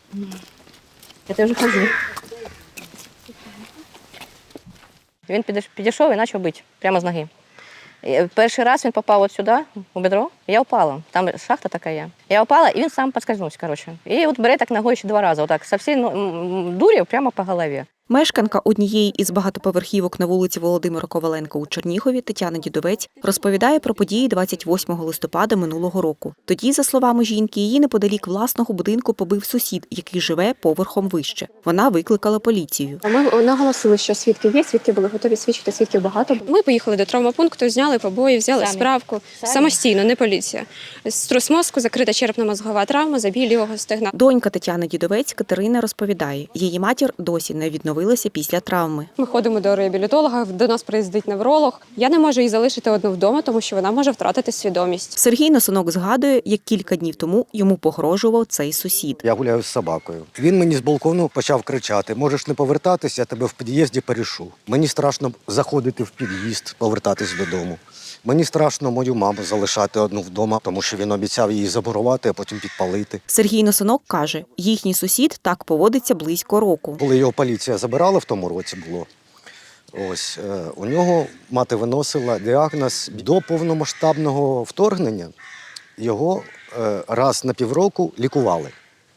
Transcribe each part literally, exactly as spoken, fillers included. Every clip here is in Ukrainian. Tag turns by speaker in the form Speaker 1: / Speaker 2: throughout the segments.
Speaker 1: Я вже ходжу. Він підійшов і почав бити прямо з ноги. Перший раз він попав от сюди, у бедро, я впала. Там шахта така є. Я впала, і він сам підскользнувся, коротше. І от бере так ногою ще два рази, отак, со всієї дурі прямо по голові.
Speaker 2: Мешканка однієї із багатоповерхівок на вулиці Володимира Коваленка у Чернігові Тетяна Дідовець розповідає про події двадцять восьмого листопада минулого року. Тоді, за словами жінки, її неподалік власного будинку побив сусід, який живе поверхом вище. Вона викликала поліцію.
Speaker 3: Ми наголосили, що свідки є, свідки були готові свідчити, свідків багато. Ми поїхали до травмопункту, зняли побої, взяли
Speaker 1: Самі.
Speaker 3: справку.
Speaker 1: Самі.
Speaker 3: Самостійно, не поліція. Струс мозку, закрита черепно-мозгова травма, забій лівого стегна.
Speaker 2: Донька Тетяни Дідовець Катерина розповідає, її матір досі не відновилася після травми.
Speaker 3: Ми ходимо до реабілітолога, до нас приїздить невролог. Я не можу її залишити одну вдома, тому що вона може втратити свідомість.
Speaker 2: Сергій Носонок згадує, як кілька днів тому йому погрожував цей сусід.
Speaker 4: Я гуляю з собакою. Він мені з балкону почав кричати: можеш не повертатися, я тебе в під'їзді перешу. Мені страшно заходити в під'їзд, повертатись додому. Мені страшно мою маму залишати одну вдома, тому що він обіцяв її замурувати, а потім підпалити.
Speaker 2: Сергій Носонок каже, їхній сусід так поводиться близько року.
Speaker 4: Коли його поліція забирала, в тому році було, ось, е, у нього мати виносила діагноз до повномасштабного вторгнення. Його е, раз на півроку лікували.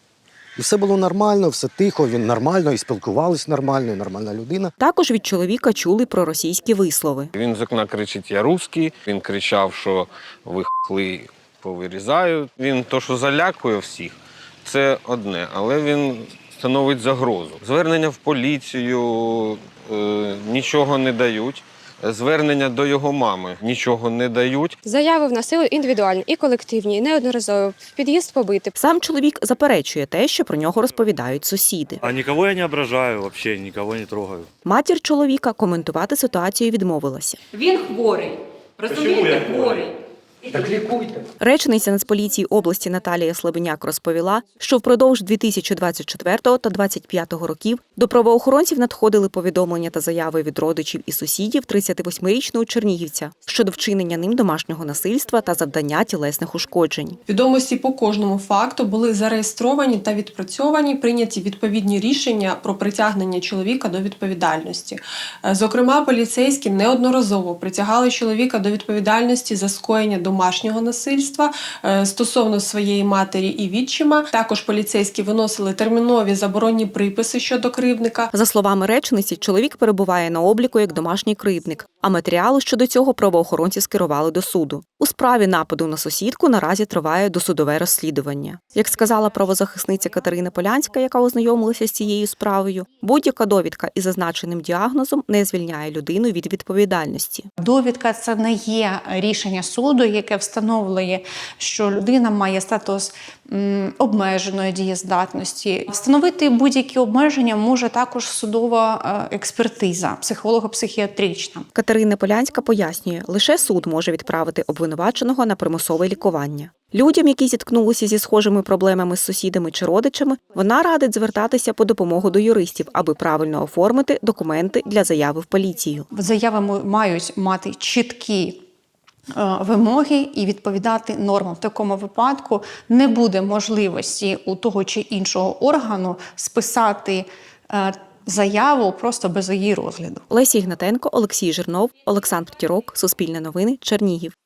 Speaker 4: І все було нормально, все тихо, він нормально, і спілкувались нормально, і нормальна людина.
Speaker 2: Також від чоловіка чули про російські вислови.
Speaker 5: Він з окна кричить: я русський. Він кричав, що ви хли повирізаю. Він то, що залякує всіх, це одне, але він становить загрозу. Звернення в поліцію е, нічого не дають. Звернення до його мами нічого не дають.
Speaker 3: Заяви в нас і індивідуальні, і колективні, і неодноразово. В під'їзд побити.
Speaker 2: Сам чоловік заперечує те, що про нього розповідають сусіди.
Speaker 6: А нікого я не ображаю, взагалі нікого не трогаю.
Speaker 2: Матір чоловіка коментувати ситуацію відмовилася.
Speaker 7: Він хворий. Розумієте, хворий.
Speaker 4: Так лікуйте.
Speaker 2: Речниця Нацполіції області Наталія Слабеняк розповіла, що впродовж дві тисячі двадцять четвертого та двадцять п'ятого років до правоохоронців надходили повідомлення та заяви від родичів і сусідів тридцятивосьмирічного чернігівця щодо вчинення ним домашнього насильства та завдання тілесних ушкоджень.
Speaker 8: Відомості по кожному факту були зареєстровані та відпрацьовані, прийняті відповідні рішення про притягнення чоловіка до відповідальності. Зокрема, поліцейські неодноразово притягали чоловіка до відповідальності за скоєння домашнього насильства стосовно своєї матері і відчима. Також поліцейські виносили термінові заборонні приписи щодо кривдника.
Speaker 2: За словами речниці, чоловік перебуває на обліку як домашній кривдник, а матеріали щодо цього правоохоронці скерували до суду. У справі нападу на сусідку наразі триває досудове розслідування. Як сказала правозахисниця Катерина Полянська, яка ознайомилася з цією справою, будь-яка довідка із зазначеним діагнозом не звільняє людину від відповідальності.
Speaker 7: Довідка – це не є рішення суду, яке встановлює, що людина має статус м, обмеженої дієздатності. Встановити будь-які обмеження може також судова е, експертиза, психолого-психіатрична.
Speaker 2: Катерина Полянська пояснює, лише суд може відправити обвинуваченого на примусове лікування. Людям, які зіткнулися зі схожими проблемами з сусідами чи родичами, вона радить звертатися по допомогу до юристів, аби правильно оформити документи для заяви в поліцію.
Speaker 7: Заяви мають мати чіткі вимоги і відповідати нормам. В такому випадку не буде можливості у того чи іншого органу списати заяву просто без її розгляду.
Speaker 2: Леся Ігнатенко, Олексій Жирнов, Олександр Тірок, Суспільне новини, Чернігів.